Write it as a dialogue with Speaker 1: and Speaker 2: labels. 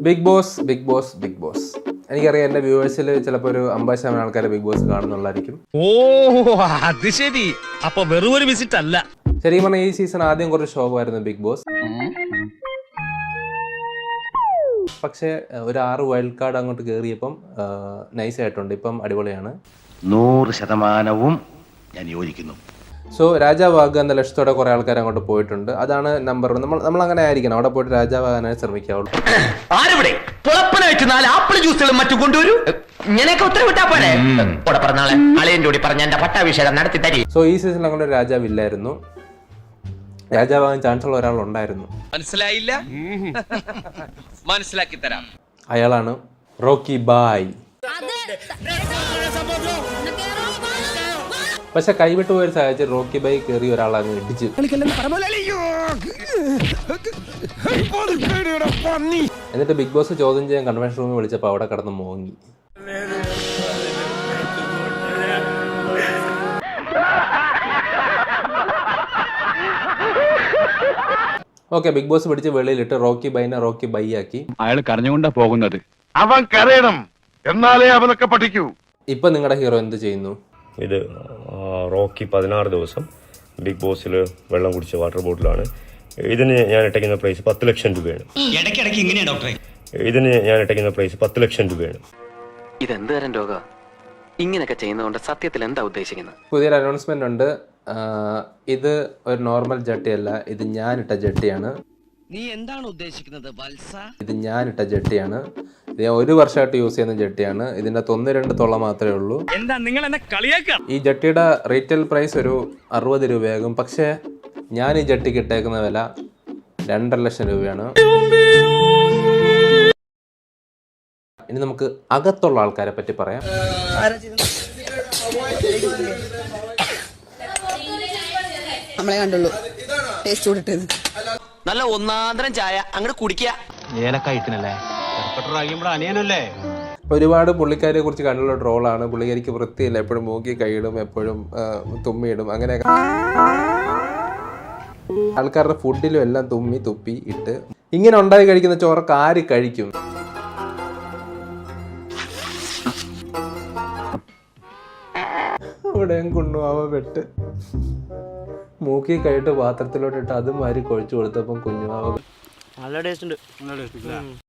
Speaker 1: Big Boss Bigg Boss Bigg Boss എനിക്കറിയാം എൻ്റെ വ്യൂവേഴ്സിൽ ചിലപ്പോൾ ഒരു 50% ആൾക്കാരെ ബിഗ് ബോസ് കാണുന്നുള്ളായിരിക്കും.
Speaker 2: ഓ അത് ശരി, അപ്പൊ വെറും ഒരു വിസിറ്റ് അല്ല.
Speaker 1: ശരിക്കും പറഞ്ഞാൽ ഈ സീസൺ ആദ്യം കുറച്ച് ശോകമായിരുന്നു ബിഗ് ബോസ്. പക്ഷേ ഒരു 6 വൈൽഡ് കാർഡ് അങ്ങോട്ട് കയറിയപ്പം നൈസ് ആയിട്ടുണ്ട്. ഇപ്പം അടിപൊളിയാണ്.
Speaker 3: 100% ഞാൻ യോജിക്കുന്നു.
Speaker 1: സോ രാജാവാകുക എന്ന ലക്ഷ്യത്തോടെ കുറെ ആൾക്കാർ അങ്ങോട്ട് പോയിട്ടുണ്ട്. അതാണ് നമ്പർ 1. നമ്മൾ അങ്ങനെ ആയിരിക്കണം, അവിടെ പോയിട്ട് രാജാവാകാനായി ശ്രമിക്കാവുള്ളൂ. സോ ഈ സീസണിൽ അങ്ങനെ രാജാവില്ലായിരുന്നു. രാജാവാകാൻ ചാൻസ് ഉള്ള ഒരാളുണ്ടായിരുന്നു.
Speaker 2: മനസ്സിലായില്ല? മനസ്സിലാക്കി തരാം.
Speaker 1: അയാളാണ് റോക്കി ബായ്. പക്ഷെ കൈവിട്ടു പോയൊരു സാഹചര്യം റോക്കി ബായ് കയറി ഒരാളങ്ങ് ഇടിച്ചു. എന്നിട്ട് ബിഗ് ബോസ് ചോദ്യം ചെയ്യാൻ കൺവെൻഷൻ റൂമിൽ വിളിച്ചപ്പോൾ അവിടെ കിടന്ന് മോങ്ങി. ഓക്കെ, ബിഗ് ബോസ് പിടിച്ച് വെളിയിലിട്ട് റോക്കി ബൈനെ റോക്കി ബൈ ആക്കി.
Speaker 4: അയാൾ കരഞ്ഞുകൊണ്ടാ പോകുന്നത്.
Speaker 3: അവൻ കരയണം, എന്നാലേ അവനൊക്കെ പഠിക്കൂ.
Speaker 1: ഇപ്പൊ നിങ്ങളുടെ ഹീറോ എന്ത് ചെയ്യുന്നു?
Speaker 5: ഇത് റോക്കി 16 ദിവസം ബിഗ് ബോസിൽ വെള്ളം കുടിച്ച വാട്ടർ ബോട്ടിലാണ്. ഇതിന് ഞാൻ ഇട്ടയ്ക്കുന്ന പ്രൈസ് 10 ലക്ഷം രൂപയാണ്. ഇതിന് ഞാൻ ഇട്ടയ്ക്കുന്ന പ്രൈസ് 10 ലക്ഷം രൂപയാണ്.
Speaker 6: ഇതെന്ത് തരം രോഗ? ഇങ്ങനെയൊക്കെ ചെയ്യുന്നതുകൊണ്ട് സത്യത്തിൽ എന്താ ഉദ്ദേശിക്കുന്നത്?
Speaker 1: പുതിയൊരു അനൗൺസ്മെന്റ് ഉണ്ട്. ഇത് ഒരു നോർമൽ ജട്ടിയല്ല, ഇത് ഞാനിട്ട ജട്ടിയാണ്.
Speaker 2: നീ എന്താണ് ഉദ്ദേശിക്കുന്നത് വത്സ?
Speaker 1: ഇത് ഞാനിട്ട ജട്ടിയാണ്. ഇത് ഞാൻ 1 വർഷമായിട്ട് യൂസ് ചെയ്യുന്ന ജട്ടിയാണ്. ഇതിൻ്റെ 1-2 തൊള്ള മാത്രമേ ഉള്ളൂ.
Speaker 2: എന്താ നിങ്ങൾ എന്നെ കളിയാക്കാം?
Speaker 1: ഈ ജട്ടിയുടെ റീറ്റെയിൽ പ്രൈസ് ഒരു 60 രൂപയാകും. പക്ഷേ ഞാൻ ഈ ജട്ടിക്ക് ഇട്ടേക്കുന്ന വില 2.5 ലക്ഷം രൂപയാണ്. ഇനി നമുക്ക് അകത്തുള്ള ആൾക്കാരെ പറ്റി പറയാം.
Speaker 7: നമ്മളെ കണ്ടുള്ളൂ ടേസ്റ്റ് കൂടിട്ടത്.
Speaker 6: നല്ല ഒന്നാന്തരം ചായ അങ്ങോട്ട് കുടിക്കുക.
Speaker 1: ഒരുപാട് പുള്ളിക്കാരെ കുറിച്ച് കണ്ടുള്ള ട്രോളാണ്. പുള്ളിക്കാരിക്ക് വൃത്തിയില്ല, എപ്പോഴും മൂക്കി കൈയിടും, എപ്പോഴും തുമ്മിയിടും, അങ്ങനെയൊക്കെ. ആൾക്കാരുടെ ഫുഡിലും എല്ലാം തുമ്മി തുപ്പി ഇട്ട്. ഇങ്ങനെ ഉണ്ടായി കഴിക്കുന്ന ചോറൊക്കെ ആര് കഴിക്കും? അവിടെയും കുണ്ണുവാവ പെട്ട് മൂക്കി കൈയിട്ട് പാത്രത്തിലോട്ടിട്ട് അതും വാരി കൊഴിച്ചു കൊടുത്തപ്പം കുഞ്ഞുവാവ
Speaker 8: നല്ല ടേസ്റ്റ് ഉണ്ട്.